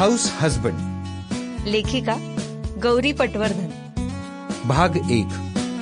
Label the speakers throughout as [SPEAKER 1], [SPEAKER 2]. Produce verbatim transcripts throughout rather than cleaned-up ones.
[SPEAKER 1] House husband.
[SPEAKER 2] लेखिका गौरी पटवर्धन.
[SPEAKER 1] भाग एक.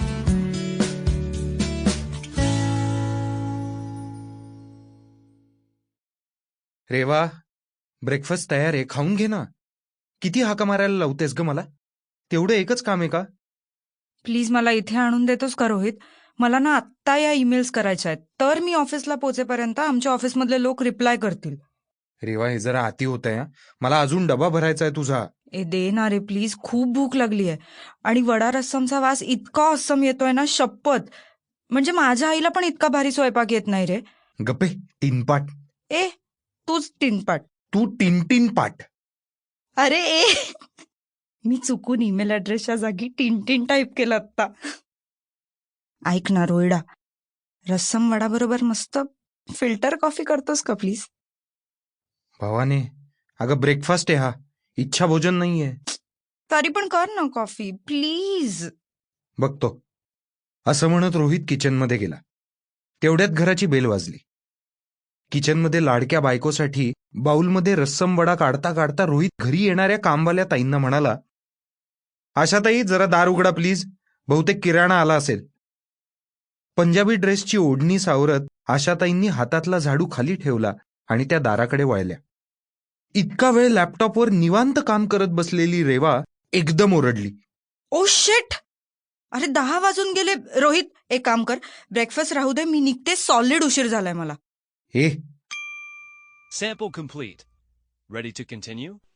[SPEAKER 1] रेवा, ब्रेकफास्ट तयार आहे, खाऊन घे ना. किती हाका मारायला लावतेस ग मला? तेवढं एकच काम आहे का?
[SPEAKER 3] प्लीज मला इथे आणून देतोस का रोहित? मला ना आत्ता या ईमेल्स करायच्या आहेत, तर मी ऑफिसला पोहोचेपर्यंत आमच्या ऑफिसमधले लोक रिप्लाय करतील.
[SPEAKER 1] रेवा, हे जरा आती होत आहे. मला अजून डबा भरायचा आहे तुझा.
[SPEAKER 3] ए दे ना रे प्लीज, खूप भूक लागली आहे. आणि वडा रस्समचा वास इतका अस्सम येतोय ना, शपथ. म्हणजे माझ्या आईला पण इतका भारी स्वयंपाक येत नाही रे.
[SPEAKER 1] गप्पे, टिनपाट.
[SPEAKER 3] ए तूच टिनपाट.
[SPEAKER 1] तू टिनटिन पाट.
[SPEAKER 3] अरे ए मी चुकून ईमेल ऍड्रेसच्या जागी टिनटिन टाईप केलं आत्ता. ऐक ना रोहिडा, रस्सम वडा बरोबर मस्त फिल्टर कॉफी करतोस का प्लीज?
[SPEAKER 1] भावाने, अगं ब्रेकफास्ट आहे हा, इच्छा भोजन नाहीये.
[SPEAKER 3] तरी पण कर ना कॉफी प्लीज.
[SPEAKER 1] बघतो, असं म्हणत रोहित किचनमध्ये गेला. तेवढ्यात घराची बेल वाजली. किचनमध्ये लाडक्या बायकोसाठी बाऊलमध्ये रस्सम वडा काढता काढता रोहित घरी येणाऱ्या कामवाल्या ताईंना म्हणाला, आशाताई जरा दार उघडा प्लीज, बहुतेक किराणा आला असेल. पंजाबी ड्रेसची ओढणी सावरत आशाताईंनी हातातला झाडू खाली ठेवला आणि त्या दाराकडे वळल्या. इतका वेळ लॅपटॉपवर निवांत काम करत बसलेली रेवा एकदम ओरडली,
[SPEAKER 3] ओ शिट, अरे दहा वाजून गेले. रोहित एक काम कर, ब्रेकफास्ट राहू दे, मी निघते, सॉलिड उशीर झालाय मला.
[SPEAKER 1] हे
[SPEAKER 4] Sample complete. Ready to continue?